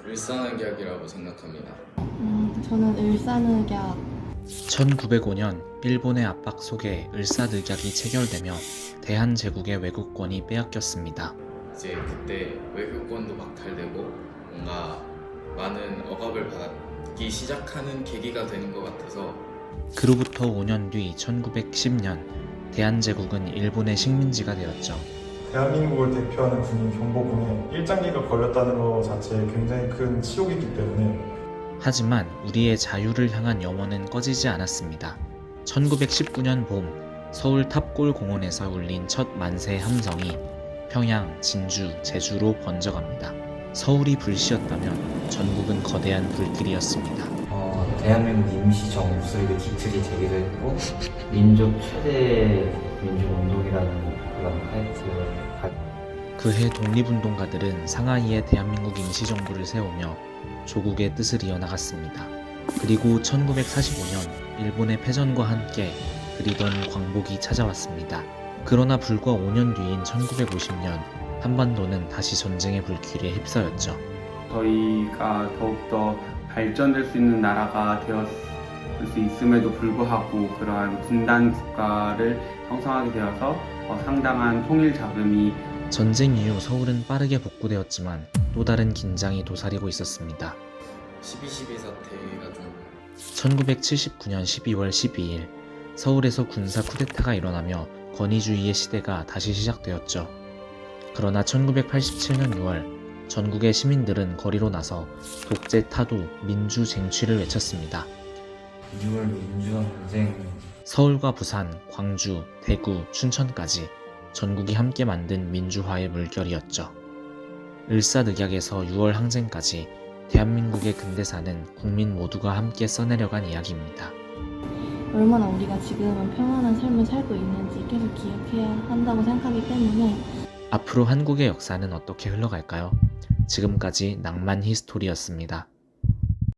을사늑약이라고 생각합니다. 저는 을사늑약. 1905년 일본의 압박 속에 을사늑약이 체결되며 대한제국의 외국권이 빼앗겼습니다. 이제 그때 외교권도 박탈되고 뭔가 많은 억압을 받기 시작하는 계기가 되는 것 같아서 그로부터 5년 뒤 1910년 대한제국은 일본의 식민지가 되었죠. 대한민국을 대표하는 군인 경보군에 일장기가 걸렸다는 것 자체에 굉장히 큰 치욕이기 때문에 하지만 우리의 자유를 향한 염원은 꺼지지 않았습니다. 1919년 봄 서울 탑골 공원에서 울린 첫 만세 함성이 평양, 진주, 제주로 번져갑니다. 서울이 불씨였다면 전국은 거대한 불길이었습니다. 대한민국 임시정부 수립의 기틀이 되기도 했고 민족 최대 민주운동이라는 그런 타이틀을 그해 독립운동가들은 상하이에 대한민국 임시정부를 세우며 조국의 뜻을 이어나갔습니다. 그리고 1945년 일본의 패전과 함께 그리던 광복이 찾아왔습니다. 그러나 불과 5년 뒤인 1950년 한반도는 다시 전쟁의 불길에 휩싸였죠. 저희가 더욱더 발전될 수 있는 나라가 되었을 수 있음에도 불구하고 그러한 분단 국가를 형성하게 되어서 상당한 통일 자금이 전쟁 이후 서울은 빠르게 복구되었지만 또 다른 긴장이 도사리고 있었습니다. 12.12 사태가 좀 1979년 12월 12일 서울에서 군사 쿠데타가 일어나며 권위주의의 시대가 다시 시작되었죠. 그러나 1987년 6월 전국의 시민들은 거리로 나서 독재 타도 민주 쟁취를 외쳤습니다. 6월 민주화 전쟁 서울과 부산, 광주, 대구, 춘천까지 전국이 함께 만든 민주화의 물결이었죠. 을사늑약에서 6월 항쟁까지 대한민국의 근대사는 국민 모두가 함께 써내려간 이야기입니다. 얼마나 우리가 지금은 평안한 삶을 살고 있는지 계속 기억해야 한다고 생각하기 때문에 앞으로 한국의 역사는 어떻게 흘러갈까요? 지금까지 낭만 히스토리였습니다.